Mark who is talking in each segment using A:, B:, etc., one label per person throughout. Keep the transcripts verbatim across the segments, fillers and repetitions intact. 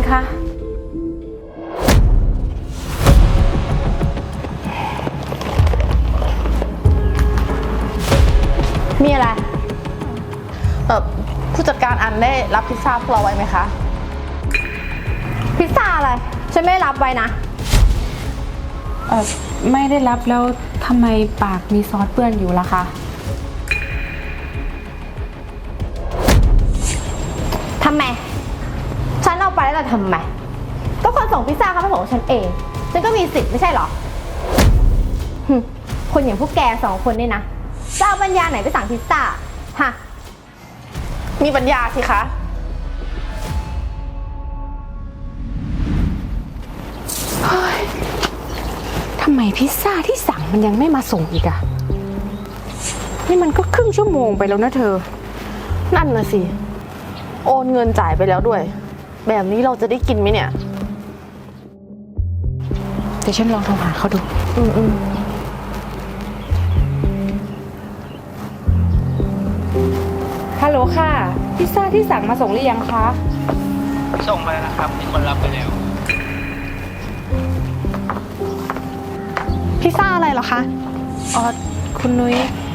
A: คะ
B: มีอะไรเออผู้จัดการอันได้รับพิซซ่าพวกเราไว้ไหมคะ
C: พิซซ่าอะไรฉันไม่รับไว้นะ
A: เออไม่ได้รับแล้วทำไมปากมีซอสเปื้อนอยู่ล่ะคะ
C: ทำไมฉันเอาไปแล้วจะทำไมก็คนส่งพิซซ่าเขามาส่งฉันเองฉันก็มีสิทธิ์ไม่ใช่เหรอคนอย่างพวกแกสองคนนี่นะจะเอาปัญญาไหนไปสั่งพิซซ่าฮะ
B: มีปัญญาสิคะ
A: ทำไมพิซซ่าที่สั่งมันยังไม่มาส่งอีกอะนี่มันก็ครึ่งชั่วโมงไปแล้วนะเธอ
B: นั่นน่ะสิโอนเงินจ่ายไปแล้วด้วย แบบนี้เราจะได้กินไหมเนี่ย
A: เดี๋ยวฉันลองโทรหาเขาดู
B: อืมอืม
A: ฮัลโหลค่ะพิซซ่าที่สั่งมาส่งหรือยังคะ
D: ส่งไปแล้วครับมีคนรับไปแล้ว
E: พิซซ่าอะไรเหรอคะ
A: อ๋อคุณนุ้ย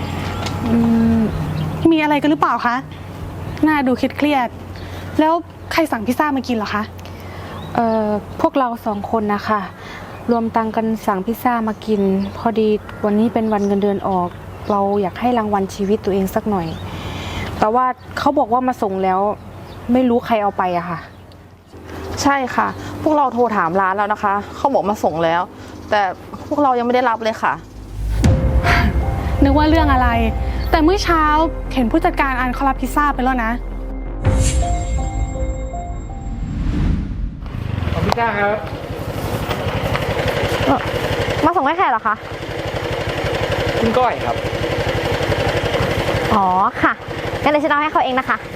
E: มีอะไรกันหรือเปล่าคะหน้าดูเครียดๆแล้วใครสั่งพิซซ่ามากินเหรอคะ
A: เอ่อพวกเราสองคนนะคะรวมตังกันสั่งพิซซ่ามากินพอดีวันนี้เป็นวันเงินเดือนออกเราอยากให้รางวัลชีวิตตัวเองสักหน่อยแต่ว่าเขาบอกว่ามาส่งแล้วไม่รู้ใครเอาไปอะค่ะ
B: ใช่ค่ะพวกเราโทรถามร้านแล้วนะคะเขาบอกมาส่งแล้วแต่พวกเรายังไม่ได้รับเลยค่ะ
E: นึกว่าเรื่องอะไรแต่เมื่อเช้าเห็นผู้จัดการอันเขารับพิซซ่าไปแล้วนะ
D: ขอบพิซซ่าครับ
C: มาส่งให้ใครเหรอคะ
D: คุณก้อยครับ
C: อ๋อค่ะงั้นเดี๋ยวฉันเอาให้เขาเองนะคะ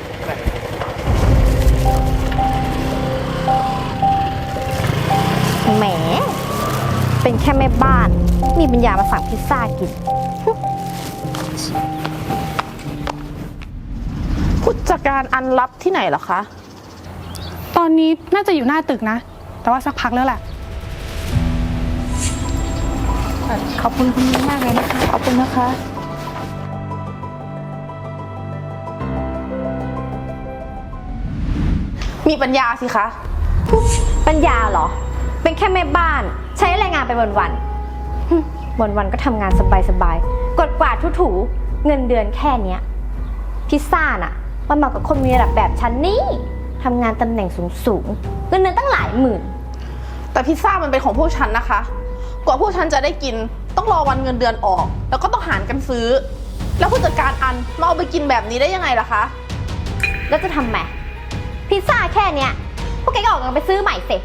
C: แหมเป็นแค่แม่บ้านมีปัญญามาสั่งพิซซ่ากิน
B: ผู้จัดการอันรับที่ไหนเหรอคะ
E: ตอนนี้น่าจะอยู่หน้าตึกนะแต่ว่าสักพักแล้วแหละ
A: ขอบคุณคุณมากเลยนะคะ
B: ขอบคุณนะคะมีปัญญาสิคะ
C: ปัญญาเหรอเป็นแค่แม่บ้านใช้แรงงานไปวันๆวันๆก็ทำงานสบายๆกดกวาดถูๆเงินเดือนแค่เนี้ยพิซซ่าน่ะมันเหมาะกับคนมีระดับแบบฉันนี่ทำงานตำแหน่งสูงๆเงินเดือนตั้งหลายหมื่น
B: แต่พิซซ่ามันเป็นของพวกฉันนะคะกว่าพวกฉันจะได้กินต้องรอวันเงินเดือนออกแล้วก็ต้องหารกันซื้อแล้วผู้จัดการอันมาเอาไปกินแบบนี้ได้ยังไงล่ะคะ
C: แล้วจะทำไงพิซซ่าแค่เนี้ยพวกแกก็ออกเงินไปซื้อใหม่สิ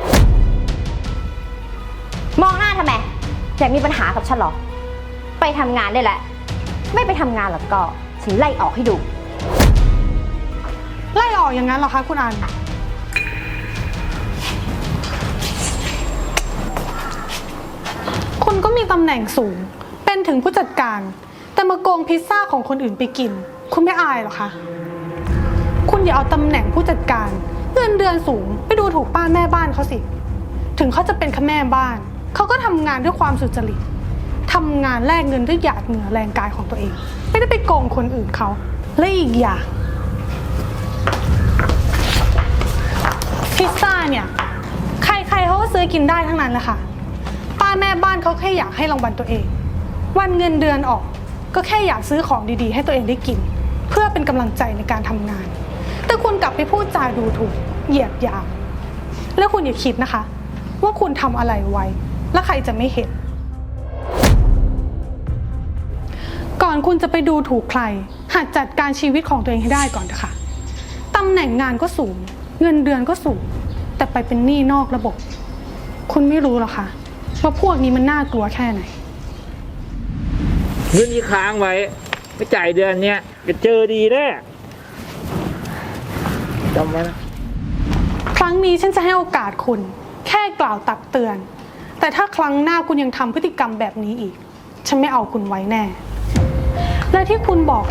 C: มองหน้าทำไมอยากมีปัญหากับฉันหรอไปทำงานได้แหละไม่ไปทำงานแล้วก็ฉันไล่ออกให้ดู
E: ไล่ออกอย่างนั้นเหรอคะคุณอันคุณก็มีตำแหน่งสูงเป็นถึงผู้จัดการแต่มาโกงพิซซ่าของคนอื่นไปกินคุณไม่อายเหรอคะคุณอย่าเอาตำแหน่งผู้จัดการเงินเดือนสูงไปดูถูกป้าแม่บ้านเขาสิถึงเขาจะเป็นแค่แม่บ้านเขาก็ทำงานด้วยความสุจริตทำงานแลกเงินด้วยหยาดเหงื่อแรงกายของตัวเองไม่ได้ไปโกงคนอื่นเขาและอีกอย่างพิซซ่าเนี่ยใครๆเขาก็ซื้อกินได้ทั้งนั้นแหละค่ะป้าแม่บ้านเขาแค่อยากให้รางวัลตัวเองวันเงินเดือนออกก็แค่อยากซื้อของดีๆให้ตัวเองได้กินเพื่อเป็นกำลังใจในการทำงานแต่คุณกลับไปพูดจาดูถูกเหยียดหยามแล้วคุณอย่าคิดนะคะว่าคุณทำอะไรไว้แล้วใครจะไม่เห็นก่อนคุณจะไปดูถูกใครหัดจัดการชีวิตของตัวเองให้ได้ก่อนเถอะค่ะตำแหน่งงานก็สูงเงินเดือนก็สูงแต่ไปเป็นหนี้นอกระบบคุณไม่รู้หรอคะว่าพวกนี้มันน่ากลัวแค่ไหน
D: เงินที่ค้างไว้ไม่จ่ายเดือนเนี้ยจะเจอดีแน่จำไว้นะ
E: ครั้งนี้ฉันจะให้โอกาสคุณแค่กล่าวตักเตือนแต่ถ้าครั้งหน้าคุณยังทำพฤติกรรมแบบนี้อีกฉันไม่เอาคุณไว้แน่และที่คุณบอก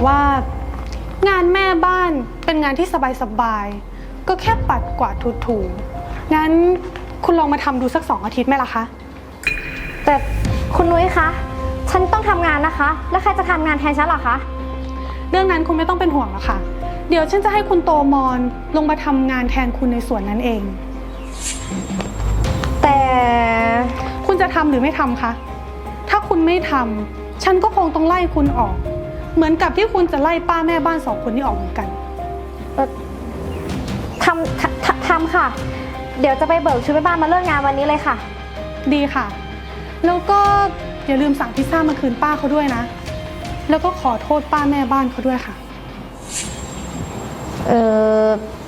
E: ว่างานแม่บ้านเป็นงานที่สบายๆก็แค่ปัดกวาดถูงั้นคุณลองมาทำดูสักสองอาทิตย์ไหมล่ะคะ
C: แต่คุณนุ้ยคะ ฉันต้องทำงานนะคะ แล้วใครจะทำงานแทนฉันเหรอคะ
E: เรื่องนั้นคุณไม่ต้องเป็นห่วงหรอกค่ะ เดี๋ยวฉันจะให้คุณโตมอนลงมาทำงานแทนคุณในส่วนนั้นเอง
C: แต่
E: คุณจะทำหรือไม่ทำคะ ถ้าคุณไม่ทำฉันก็คงต้องไล่คุณออก เหมือนกับที่คุณจะไล่ป้าแม่บ้านสองคนนี้ออกเหมือนกัน
C: เอ่อทำทำทำทำค่ะ เดี๋ยวจะไปเบิกชุดแม่บ้านมาเลิกงานวันนี้เลยค่ะ
E: ดีค่ะ แล้วก็อย่าลืมสั่งพิซซ่ามาคืนป้าเขาด้วยนะ แล้วก็ขอโทษป้าแม่บ้านเขาด้วยค่ะ
C: เออ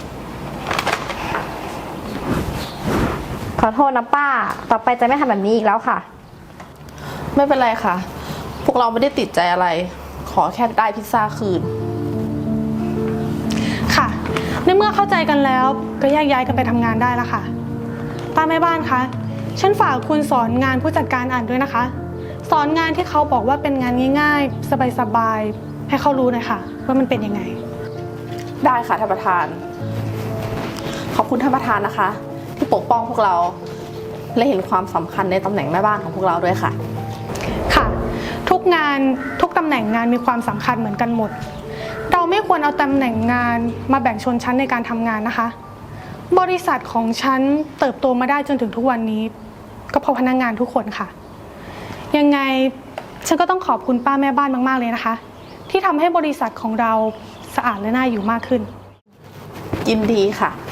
C: ขอโทษนะป้า ต่อไปจะไม่ทำแบบนี้อีกแล้วค่ะ
B: ไม่เป็นไรค่ะ พวกเราไม่ได้ติดใจอะไร ขอแค่ได้พิซซ่าคืน
E: ค่ะ ในเมื่อเข้าใจกันแล้วก็แยกย้ายกันไปทำงานได้แล้วค่ะ ป้าแม่บ้านคะ ฉันฝากคุณสอนงานผู้จัดการอ่านด้วยนะคะ สอนงานที่เขาบอกว่าเป็นงานง่ายๆ สบายๆ ให้เขารู้หน่อยค่ะ ว่ามันเป็นยังไง
B: ได้ค่ะท่านประธาน ขอบคุณท่านประธานนะคะ ที่ปกป้องพวกเรา และเห็นความสำคัญในตำแหน่งแม่บ้านของพวกเราด้วยค่ะ
E: ค่ะ ทุกงานทุกตำแหน่งงานมีความสำคัญเหมือนกันหมด เราไม่ควรเอาตำแหน่งงานมาแบ่งชนชั้นในการทำงานนะคะ บริษัทของฉันเติบโตมาได้จนถึงทุกวันนี้ ก็เพราะพนักงานทุกคนค่ะ ยังไงฉันก็ต้องขอบคุณป้าแม่บ้านมากๆเลยนะคะ ที่ทำให้บริษัทของเราสะอาดและน่าอยู่มากขึ้น
B: ยินดีค่ะ